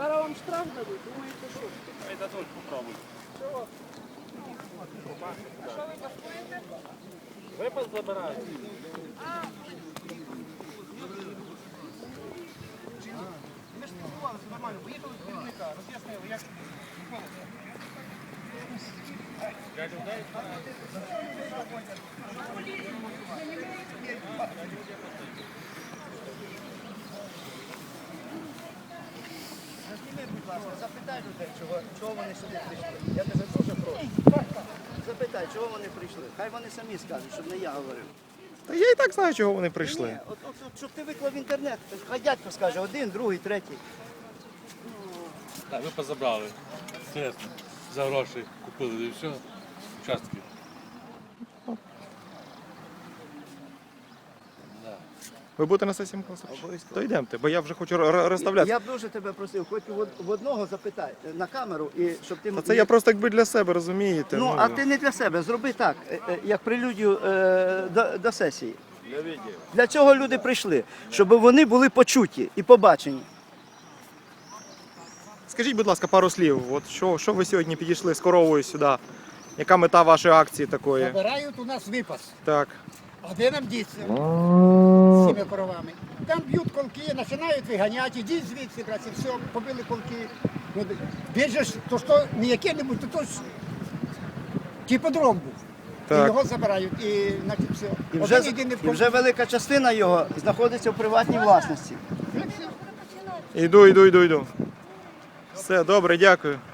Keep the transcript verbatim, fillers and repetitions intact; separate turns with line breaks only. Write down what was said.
Зараз вам штраф дадуть, думаєте, що?
Ай, дадуть, попробуй.
Чого? А що ви бастуєте?
Випас забирають.
Ми ж спілкувалися нормально, поїхали до керівника, роз'яснили, як відбулося.
Зніми, будь ласка, запитай людей, чого, чого вони сюди прийшли. Я тебе дуже прошу. Запитай, чого вони прийшли. Хай вони самі скажуть, щоб не я говорив.
Та я і так знаю, чого вони прийшли.
Ні, от, от, от, щоб ти виклав в інтернет, хай дядько скаже, один, другий, третій.
Так, випас забрали. Чесно. За гроші купили і все. Участки. Да.
Ви будете на сесії Микола Сергійович?
Обов'язково.
То йдемте, бо я вже хочу р- розставляти.
Я б дуже тебе просив, хоч в од- в одного запитай е, на камеру, і щоб ти...
Та це я просто якби для себе, розумієте?
Ну, а ти не для себе, зроби так, е, е, як прелюдію е, до, до сесії. Для цього люди прийшли, щоб вони були почуті і побачені.
Скажіть, будь ласка, пару слів. От що, що ви сьогодні підійшли з коровою сюди? Яка мета вашої акції такої?
Забирають у нас випас.
Так.
А де нам діться з цими коровами? Там б'ють колки, починають виганяти, ідіть звідси, братці, все, побили колки. Ну, більше ж, то що не яке-небудь, то то ж типодром був.
Так.
І його забирають, і значить все.
І
Один
вже,
єдиний
і вже велика частина його знаходиться в приватній власності.
Іду, іду, іду, іду. Все, добре, дякую.